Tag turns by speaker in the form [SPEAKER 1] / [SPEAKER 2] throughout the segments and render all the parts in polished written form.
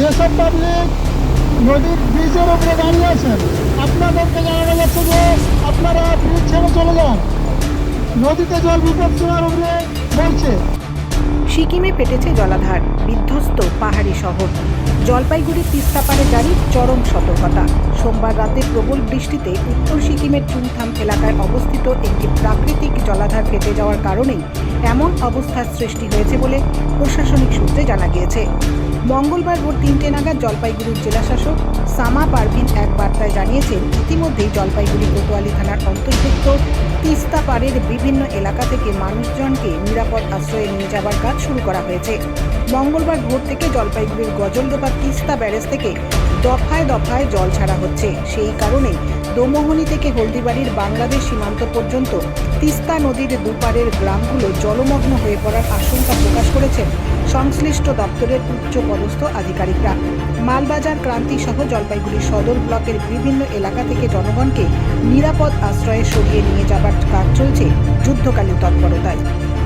[SPEAKER 1] যেসব পাবলিক নদীর ব্রিজের উপরে দাঁড়িয়ে আছেন, আপনাদেরকে জানানো যাচ্ছে যে আপনারা ব্রিজ ছেড়ে চলে যান। নদীতে জল বিপদ সীমার উপরে বলছে।
[SPEAKER 2] সিকিমে ফেটেছে জলাধার, বিধ্বস্ত পাহাড়ি শহর। জলপাইগুড়ির তিস্তাপাড়ে জারি চরম সতর্কতা। সোমবার রাতে প্রবল বৃষ্টিতে উত্তর সিকিমের চুংথাম এলাকায় অবস্থিত একটি প্রাকৃতিক জলাধার ফেটে যাওয়ার কারণেই এমন অবস্থার সৃষ্টি হয়েছে বলে প্রশাসনিক সূত্রে জানা গিয়েছে। মঙ্গলবার ভোর 3টে নাগাদ জলপাইগুড়ির জেলাশাসক সামা পারভিন এক বার্তায় জানিয়েছেন, ইতিমধ্যেই জলপাইগুড়ি কোতোয়ালি থানার অন্তর্ভুক্ত তিস্তাপাড়ের বিভিন্ন এলাকা থেকে মানুষজনকে নিরাপদ আশ্রয়ে নিয়ে যাবার কাজ শুরু করা হয়েছে। মঙ্গলবার ভোর থেকে জলপাইগুড়ির গজলডোবা তিস্তা ব্যারেজ থেকে দফায় দফায় জল ছাড়া হচ্ছে। সেই কারণে দোমোহনী থেকে হলদিবাড়ির বাংলাদেশ সীমান্ত পর্যন্ত তিস্তা নদীর দুপারের গ্রামগুলো জলমগ্ন হয়ে পড়ার আশঙ্কা প্রকাশ করেছেন সংশ্লিষ্ট দপ্তরের উচ্চ পদস্থ আধিকারিকরা। মালবাজার ক্রান্তি সহ জলপাইগুড়ি সদর ব্লকের বিভিন্ন এলাকা থেকে জনগণকে নিরাপদ আশ্রয়ে সরিয়ে নিয়ে যাবার কাজ চলছে যুদ্ধকালীন তৎপরতায়।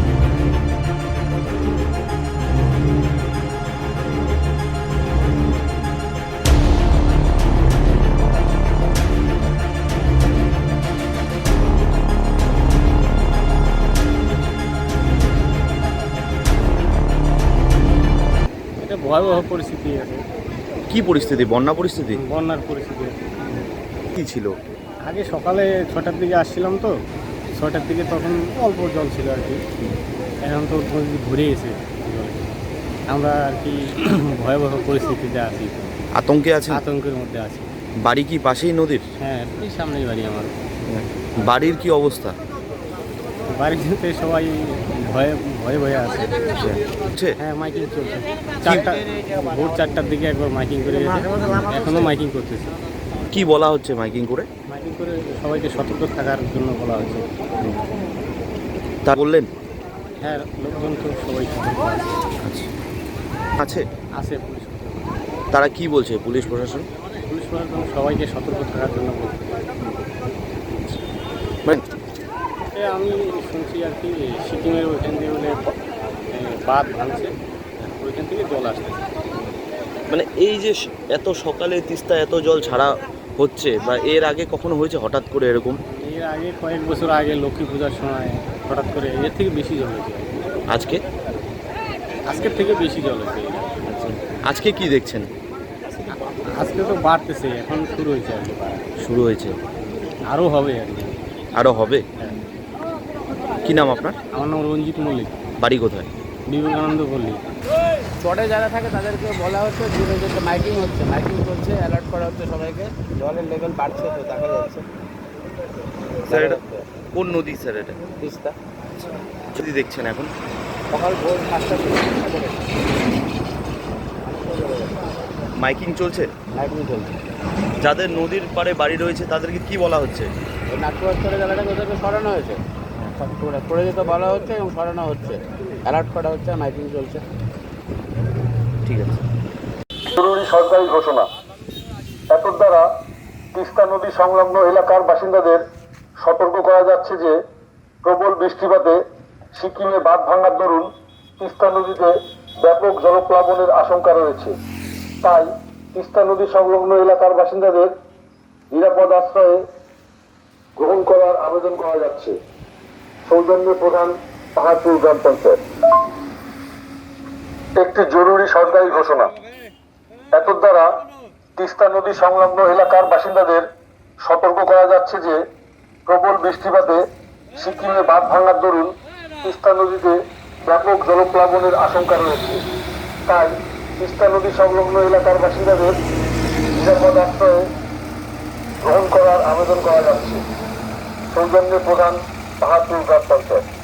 [SPEAKER 3] ভয়াবহ পরিস্থিতি আছে।
[SPEAKER 4] কি পরিস্থিতি? বন্যা পরিস্থিতি?
[SPEAKER 3] বন্যার পরিস্থিতি
[SPEAKER 4] কি ছিল?
[SPEAKER 3] আগে সকালে 6টার দিকে আসছিলাম, তো 6টার দিকে তখন অল্প জল ছিল আর কি। এখন তো নদী ঘুরে গেছে জলে। আমরা আর কি ভয়াবহ পরিস্থিতিতে আছি,
[SPEAKER 4] আতঙ্কে আছে?
[SPEAKER 3] আতঙ্কের মধ্যে আছি।
[SPEAKER 4] বাড়ি কি পাশেই নদীর?
[SPEAKER 3] হ্যাঁ, এই সামনেই বাড়ি আমার।
[SPEAKER 4] বাড়ির কি অবস্থা?
[SPEAKER 3] বাড়িতে সবাই ভয়ে ভয়ে ভয়ে আছে।
[SPEAKER 4] হচ্ছে?
[SPEAKER 3] হ্যাঁ, মাইকিং চলছে। ভোর 4টার দিকে একবার মাইকিং করে গেছে, এখনও মাইকিং করতেছে।
[SPEAKER 4] কি বলা হচ্ছে মাইকিং করে?
[SPEAKER 3] মাইকিং করে সবাইকে সতর্ক থাকার জন্য বলা হচ্ছে।
[SPEAKER 4] তা বললেন?
[SPEAKER 3] হ্যাঁ, লোকজন তো সবাই সতর্ক আছে।
[SPEAKER 4] আছে?
[SPEAKER 3] আছে পুলিশ।
[SPEAKER 4] তারা কি বলছে পুলিশ প্রশাসন?
[SPEAKER 3] পুলিশ প্রশাসন সবাইকে সতর্ক থাকার জন্য বলছে। আমি শুনছি আর কি সিকিমের ওইখান দিয়ে বলে বাঁধ ভাঙছে, ওইখান থেকে জল আসতেছে।
[SPEAKER 4] মানে এই যে এত সকালে তিস্তা এত জল ছাড়া হচ্ছে, বা এর আগে কখনো হয়েছে হঠাৎ করে এরকম?
[SPEAKER 3] এর আগে কয়েক বছর আগে লক্ষ্মী পূজার সময় হঠাৎ করে এর থেকে বেশি জল হয়েছে।
[SPEAKER 4] আজকে?
[SPEAKER 3] আজকের থেকে বেশি জল হয়েছে।
[SPEAKER 4] আজকে কি দেখছেন?
[SPEAKER 3] আজকে তো বাড়তেছে, এখন শুরু হয়েছে আর কি।
[SPEAKER 4] শুরু হয়েছে,
[SPEAKER 3] আরও হবে আর কি।
[SPEAKER 4] আরও হবে?
[SPEAKER 3] হ্যাঁ।
[SPEAKER 4] কি নাম আপনার?
[SPEAKER 3] আমার নাম রঞ্জিত মল্লিক।
[SPEAKER 4] বাড়ি কোথায়?
[SPEAKER 3] বিবেকানন্দ পল্লী।
[SPEAKER 5] চটে যারা থাকে তাদেরকে বলা হচ্ছে দূরে যেতে, মাইকিং হচ্ছে, মাইকিং চলছে, অ্যালার্ট করা হচ্ছে সবাইকে। জলের লেভেল বাড়ছে, তো দেখা যাচ্ছে।
[SPEAKER 4] স্যার এটা কোন নদী স্যার? এটা
[SPEAKER 5] তিস্তা।
[SPEAKER 4] যদি দেখছেন এখন
[SPEAKER 5] সকাল ভোর 5টা থেকে
[SPEAKER 4] মাইকিং চলছে?
[SPEAKER 5] মাইকিং চলছে।
[SPEAKER 4] যাদের নদীর পাড়ে বাড়ি রয়েছে তাদেরকে কি বলা হচ্ছে?
[SPEAKER 5] ওই নাট্যবাস্তরে জেলাটাকে ওদেরকে সরানো হয়েছে, করে যেতে বলা হচ্ছে এবং সরানো হচ্ছে, অ্যালার্ট করা হচ্ছে, মাইকিং চলছে।
[SPEAKER 4] ঠিক আছে।
[SPEAKER 6] জরুরি সরকারি ঘোষণা। এত দ্বারা তিস্তা নদী সংলগ্ন এলাকার বাসিন্দাদের সতর্ক করা যাচ্ছে যে প্রবল বৃষ্টিপাতে সিকিমে বাঁধ ভাঙার দরুন তিস্তা নদীতে ব্যাপক জলপ্লাবনের আশঙ্কা রয়েছে। তাই তিস্তা নদী সংলগ্ন এলাকার বাসিন্দাদের নিরাপদ আশ্রয়ে গ্রহণ করার আবেদন করা যাচ্ছে। সৌজন্যে প্রধান পাহাড়পুর গ্রাম পঞ্চায়েত। একটি জরুরি সরকারি ঘোষণা। এত দ্বারা তিস্তা নদী সংলগ্ন এলাকার বাসিন্দাদের সতর্ক করা যাচ্ছে যে প্রবল বৃষ্টিপাতে সিকিমে বাঁধ ভাঙার দরুন তিস্তা নদীতে ব্যাপক জলপ্লাবনের আশঙ্কা রয়েছে। তাই তিস্তা নদী সংলগ্ন এলাকার বাসিন্দাদের নিরাপদ আশ্রয়ে গ্রহণ করার আবেদন করা যাচ্ছে। সৌজন্যে প্রধান পাহাড়পুর গ্রাম পঞ্চায়েত।